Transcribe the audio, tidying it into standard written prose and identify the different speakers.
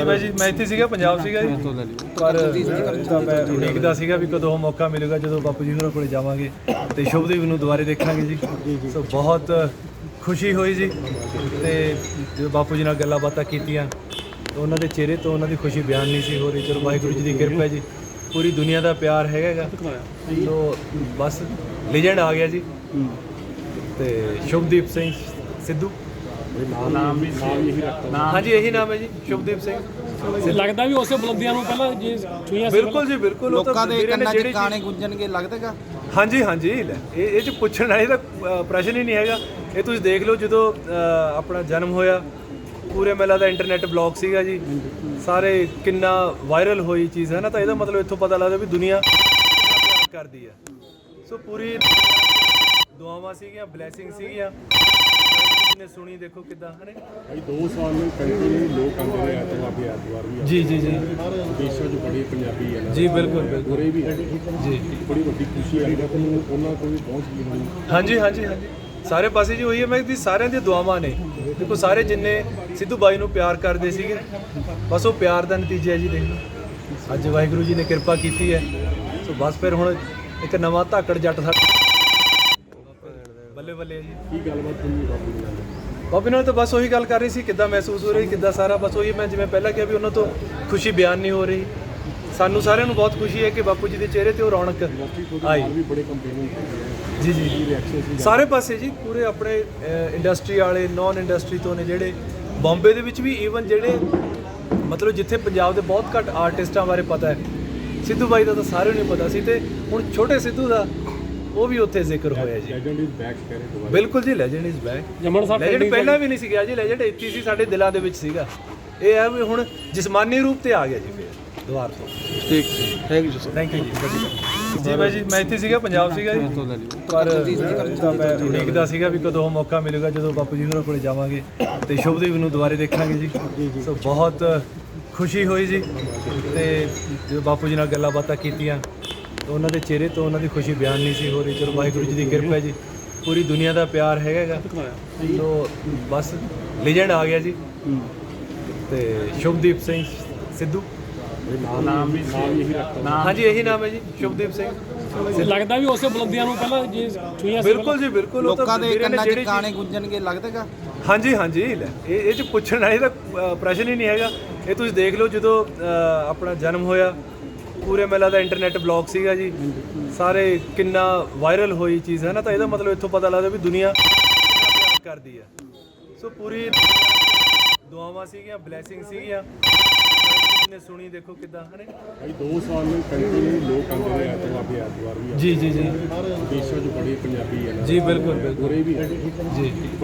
Speaker 1: ਬਾਈ ਜੀ ਮੈਂ ਇੱਥੇ ਸੀਗਾ ਪੰਜਾਬ ਸੀਗਾ ਜੀ ਪਰ ਤਾਂ ਮੈਂ ਉਡੀਕਦਾ ਸੀਗਾ ਵੀ ਕਦੋਂ ਮੌਕਾ ਮਿਲੇਗਾ ਜਦੋਂ ਬਾਪੂ ਜੀ ਹੋਰਾਂ ਕੋਲੇ ਜਾਵਾਂਗੇ ਤੇ ਸ਼ੁਭਦੀਪ ਨੂੰ ਦੁਬਾਰੇ ਦੇਖਾਂਗੇ ਜੀ। ਸੋ ਬਹੁਤ ਖੁਸ਼ੀ ਹੋਈ ਜੀ ਤੇ ਜਦੋਂ ਬਾਪੂ ਜੀ ਨਾਲ ਗੱਲਾਂ ਬਾਤਾਂ ਕੀਤੀਆਂ ਤਾਂ ਉਹਨਾਂ ਦੇ ਚਿਹਰੇ ਤੋਂ ਉਹਨਾਂ ਦੀ ਖੁਸ਼ੀ ਬਿਆਨ ਨਹੀਂ ਸੀ ਹੋ ਰਹੀ। ਚਲੋ ਵਾਹਿਗੁਰੂ ਜੀ ਦੀ ਕਿਰਪਾ ਜੀ, ਪੂਰੀ ਦੁਨੀਆ ਦਾ ਪਿਆਰ ਹੈਗਾ ਸੋ ਬਸ ਲੀਜੈਂਡ ਆ ਗਿਆ ਜੀ ਤੇ ਸ਼ੁਭਦੀਪ ਸਿੰਘ ਸਿੱਧੂ
Speaker 2: ਨਾਮ ਵੀ
Speaker 1: ਹਾਂਜੀ ਇਹੀ ਨਾਮ ਹੈ ਜੀ ਸ਼ੁਭਦੀਪ ਸਿੰਘ।
Speaker 2: ਲੱਗਦਾ ਵੀ ਉਸੇ ਬੁਲੰਦੀਆਂ ਨੂੰ ਪਹਿਲਾਂ ਜੇ ਛੂਈਆਂ ਸੀ।
Speaker 1: ਬਿਲਕੁਲ ਜੀ ਬਿਲਕੁਲ।
Speaker 3: ਲੋਕਾਂ ਦੇ ਕੰਨਾਂ 'ਚ ਗਾਣੇ ਗੁੰਜਣਗੇ ਲੱਗਦਾਗਾ।
Speaker 1: ਹਾਂਜੀ ਹਾਂਜੀ ਇਹ 'ਚ ਪੁੱਛਣ ਵਾਲੀ ਤਾਂ ਪ੍ਰਸ਼ਨ ਹੀ ਨਹੀਂ ਹੈਗਾ। ਇਹ ਤੁਸੀਂ ਦੇਖ ਲਓ ਜਦੋਂ ਆਪਣਾ ਜਨਮ ਹੋਇਆ ਪੂਰੇ ਮੇਲਾ ਦਾ ਇੰਟਰਨੈਟ ਬਲੌਗ ਸੀਗਾ ਜੀ, ਸਾਰੇ ਕਿੰਨਾ ਵਾਇਰਲ ਹੋਈ ਚੀਜ਼ ਹੈ ਨਾ, ਤਾਂ ਇਹਦਾ ਮਤਲਬ ਇੱਥੋਂ ਪਤਾ ਲੱਗਦਾ ਵੀ ਦੁਨੀਆ ਕਰਦੀ ਹੈ। ਸੋ ਪੂਰੀ ਦੁਆਵਾਂ ਸੀਗੀਆਂ, ਬਲੇਸਿੰਗ ਸੀਗੀਆਂ ਨੇ ਸੁਣੀ। ਦੇਖੋ ਕਿੱਦਾਂ ਹੈ
Speaker 4: ਭਾਈ 2 ਸਾਲ ਨੂੰ ਕੰਟੀਨਿਊ ਲੋਕ ਆਉਂਦੇ ਰਹੇ ਐਤਵਾਰ ਵੀ
Speaker 1: ਜੀ ਜੀ ਜੀ
Speaker 4: ਦੇਸ਼ਾਂ 'ਚ ਬੜੇ ਪੰਜਾਬੀ ਹੈ ਨਾ
Speaker 1: ਜੀ ਬਿਲਕੁਲ ਬਿਲਕੁਲ
Speaker 4: ਉਰੇ ਵੀ
Speaker 1: ਜੀ
Speaker 4: ਬੜੀ ਵੱਡੀ ਖੁਸ਼ੀ ਆਈ ਨਾ ਤੁਹਾਨੂੰ ਉਹਨਾਂ ਕੋਲ ਵੀ ਪਹੁੰਚ ਗਈ ਹੋਣੀ।
Speaker 1: ਹਾਂਜੀ ਹਾਂਜੀ ਹਾਂਜੀ ਸਾਰੇ ਪਾਸੇ ਜੀ ਹੋਈ ਹੈ। ਮੈਂ ਦੀ ਸਾਰਿਆਂ ਦੀਆਂ ਦੁਆਵਾਂ ਨੇ। ਦੇਖੋ ਸਾਰੇ ਜਿੰਨੇ ਸਿੱਧੂ ਬਾਈ ਨੂੰ ਪਿਆਰ ਕਰਦੇ ਸੀਗੇ ਬਸ ਉਹ ਪਿਆਰ ਦਾ ਨਤੀਜਾ ਹੈ ਜੀ। ਦੇਖ ਲਓ ਅੱਜ ਵਾਹਿਗੁਰੂ ਜੀ ਨੇ ਕਿਰਪਾ ਕੀਤੀ ਹੈ ਸੋ ਬਸ ਫਿਰ ਹੁਣ ਇੱਕ ਨਵਾਂ ਧਾਕੜ ਜੱਟ ਬੱਲੇ ਬੱਲੇ ਜੀ।
Speaker 4: ਕੀ ਗੱਲਬਾਤ ਹੋਈ ਬਾਪੂ ਜੀ ਨਾਲ?
Speaker 1: ਬਾਬੇ ਨਾਲ ਤਾਂ ਬਸ ਉਹੀ ਗੱਲ ਕਰ ਰਹੀ ਸੀ ਕਿੱਦਾਂ ਮਹਿਸੂਸ ਹੋ ਰਹੀ ਕਿੱਦਾਂ ਸਾਰਾ ਬਸ ਉਹੀ ਮੈਂ ਜਿਵੇਂ ਪਹਿਲਾਂ ਕਿਹਾ ਵੀ ਉਹਨਾਂ ਤੋਂ ਖੁਸ਼ੀ ਬਿਆਨ ਨਹੀਂ ਹੋ ਰਹੀ। ਸਾਨੂੰ ਸਾਰਿਆਂ ਨੂੰ ਬਹੁਤ ਖੁਸ਼ੀ ਹੈ ਕਿ ਬਾਪੂ ਜੀ ਦੇ ਚਿਹਰੇ ਤੇ ਉਹ ਰੌਣਕ ਆਈ।
Speaker 4: ਵੀ ਬੜੇ ਕੰਪੇਨਿੰਗ
Speaker 1: ਜੀ ਜੀ ਜੀ ਸਾਰੇ ਪਾਸੇ ਜੀ ਪੂਰੇ ਆਪਣੇ ਇੰਡਸਟਰੀ ਵਾਲੇ ਨੌਨ ਇੰਡਸਟਰੀ ਤੋਂ ਨੇ ਜਿਹੜੇ ਬੰਬੇ ਦੇ ਵਿੱਚ ਵੀ ਈਵਨ ਜਿਹੜੇ ਮਤਲਬ ਜਿੱਥੇ ਪੰਜਾਬ ਦੇ ਬਹੁਤ ਘੱਟ ਆਰਟਿਸਟਾਂ ਬਾਰੇ ਪਤਾ ਹੈ ਸਿੱਧੂ ਬਾਈ ਦਾ ਤਾਂ ਸਾਰਿਆਂ ਨੂੰ ਪਤਾ ਸੀ ਤੇ ਹੁਣ ਛੋਟੇ ਸਿੱਧੂ ਦਾ ਉਹ ਵੀ ਉੱਥੇ ਜ਼ਿਕਰ ਹੋਇਆ ਜੀ।
Speaker 4: ਲੈਜੈਂਡ ਇਜ਼ ਬੈਕ ਕਰੇ ਦੁਬਾਰਾ।
Speaker 1: ਬਿਲਕੁਲ ਜੀ ਲੈਜੈਂਡ ਇਜ਼ ਬੈਕ।
Speaker 2: ਜਮਨ ਸਾਹਿਬ
Speaker 1: ਲੈਜੈਂਡ ਪਹਿਲਾਂ ਵੀ ਨਹੀਂ ਸੀ ਗਿਆ ਜੀ, ਲੈਜੈਂਡ ਇੱਥੇ ਸੀ ਸਾਡੇ ਦਿਲਾਂ ਦੇ ਵਿੱਚ ਸੀਗਾ। ਇਹ ਹੈ ਵੀ ਹੁਣ ਜਿਸਮਾਨੀ ਰੂਪ ਤੇ ਆ ਗਿਆ ਜੀ ਫਿਰ ਦੁਬਾਰ ਤੋਂ।
Speaker 3: ਠੀਕ thank you sir.
Speaker 1: Thank you ਜੀ ਬਾਈ ਜੀ ਮੈਂ ਇੱਥੇ ਸੀਗਾ ਪੰਜਾਬ ਸੀਗਾ ਜੀ ਪਰ ਤਾਂ ਮੈਂ ਉਡੀਕਦਾ ਸੀਗਾ ਵੀ ਕਦੋਂ ਮੌਕਾ ਮਿਲੇਗਾ ਜਦੋਂ ਬਾਪੂ ਜੀ ਹੋਰਾਂ ਕੋਲੇ ਜਾਵਾਂਗੇ ਤੇ ਸ਼ੁਭਦੀਪ ਨੂੰ ਦੁਬਾਰੇ ਦੇਖਾਂਗੇ ਜੀ। ਸੋ ਬਹੁਤ ਖੁਸ਼ੀ ਹੋਈ ਜੀ ਤੇ ਜਦੋਂ ਬਾਪੂ ਜੀ ਨਾਲ ਗੱਲਾਂ ਬਾਤਾਂ ਕੀਤੀਆਂ ਤਾਂ ਉਹਨਾਂ ਦੇ ਚਿਹਰੇ ਤੋਂ ਉਹਨਾਂ ਦੀ ਖੁਸ਼ੀ ਬਿਆਨ ਨਹੀਂ ਸੀ ਹੋ ਰਹੀ। ਚਲੋ ਵਾਹਿਗੁਰੂ ਜੀ ਦੀ ਕਿਰਪਾ ਜੀ, ਪੂਰੀ ਦੁਨੀਆ ਦਾ ਪਿਆਰ ਹੈਗਾ ਸੋ ਬਸ ਲੀਜੈਂਡ ਆ ਗਿਆ ਜੀ ਤੇ ਸ਼ੁਭਦੀਪ ਸਿੰਘ ਸਿੱਧੂ
Speaker 2: ਨਾਮ ਵੀ
Speaker 1: ਹਾਂਜੀ ਇਹੀ ਨਾਮ ਹੈ ਜੀ ਸ਼ੁਭਦੀਪ ਸਿੰਘ।
Speaker 2: ਲੱਗਦਾ ਵੀ ਉਸੇ ਬੁਲੰਦੀਆਂ ਨੂੰ ਪਹਿਲਾਂ ਜੇ ਛੂਈਆਂ ਸੀ।
Speaker 1: ਬਿਲਕੁਲ ਜੀ ਬਿਲਕੁਲ।
Speaker 3: ਲੋਕਾਂ ਦੇ ਕੰਨਾਂ 'ਚ ਗਾਣੇ ਗੁੰਜਣਗੇ ਲੱਗਦਾਗਾ।
Speaker 1: ਹਾਂਜੀ ਹਾਂਜੀ ਇਹ 'ਚ ਪੁੱਛਣ ਵਾਲੀ ਤਾਂ ਪ੍ਰਸ਼ਨ ਹੀ ਨਹੀਂ ਹੈਗਾ। ਇਹ ਤੁਸੀਂ ਦੇਖ ਲਓ ਜਦੋਂ ਆਪਣਾ ਜਨਮ ਹੋਇਆ ਪੂਰੇ ਮੇਲਾ ਦਾ ਇੰਟਰਨੈਟ ਬਲੌਗ ਸੀਗਾ ਜੀ, ਸਾਰੇ ਕਿੰਨਾ ਵਾਇਰਲ ਹੋਈ ਚੀਜ਼ ਹੈ ਨਾ, ਤਾਂ ਇਹਦਾ ਮਤਲਬ ਇੱਥੋਂ ਪਤਾ ਲੱਗਦਾ ਵੀ ਦੁਨੀਆ ਕਰਦੀ ਹੈ। ਸੋ ਪੂਰੀ ਦੁਆਵਾਂ ਸੀਗੀਆਂ, ਬਲੇਸਿੰਗ ਸੀਗੀਆਂ ਨੇ ਸੁਣੀ। ਦੇਖੋ ਕਿੱਦਾਂ ਹੈ
Speaker 4: ਭਾਈ 2 ਸਾਲ ਨੂੰ ਕੰਟੀਨਿਊ ਲੋਕ ਆਉਂਦੇ ਰਹੇ ਐਤਵਾਰ ਵੀ
Speaker 1: ਜੀ ਜੀ ਜੀ
Speaker 4: ਦੇਸ਼ਾਂ 'ਚ ਬੜੇ ਪੰਜਾਬੀ ਹੈ ਨਾ
Speaker 1: ਜੀ ਬਿਲਕੁਲ ਬਿਲਕੁਲ
Speaker 4: ਉਰੇ ਵੀ
Speaker 1: ਜੀ।